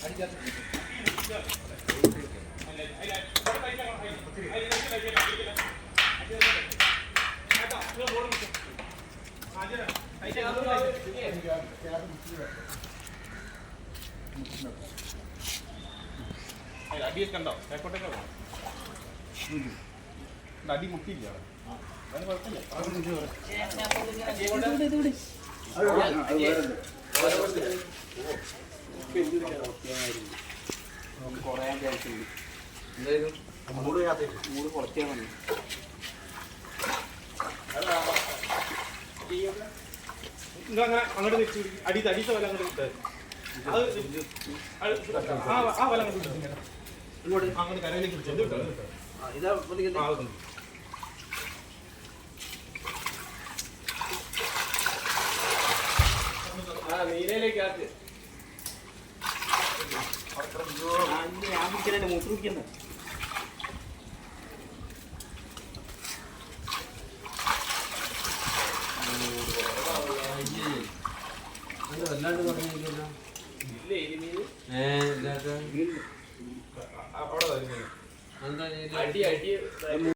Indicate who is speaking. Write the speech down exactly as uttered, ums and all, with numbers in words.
Speaker 1: അടിയൊക്കെ ഉണ്ടോ? ബാക്കോട്ടൊക്കെ പോകണം. അടി മുട്ടിയില്ല. അതിന് കുഴപ്പമില്ല. കുറയാൻ ചാൻസ് ഉണ്ട്. എന്തായാലും മൂട് മൂട് കുറച്ചാൽ മതി. അങ്ങനെ അങ്ങോട്ട് വെച്ച് അടി അടിച്ച വല അങ്ങോട്ട് കിട്ടുക. അത് ആ വല അങ്ങോട്ട് ഇങ്ങോട്ട് അങ്ങോട്ട് കരയിലേക്ക് പിടിച്ചു കിട്ടോ. ഇതാ ആ നീലയിലേക്ക് ആക്ക്. ഞാൻ പിടിക്കണേ മൂത്ത് പിടിക്കുന്ന വല്ലാണ്ട് പറഞ്ഞില്ല. അവിടെ അടി അടി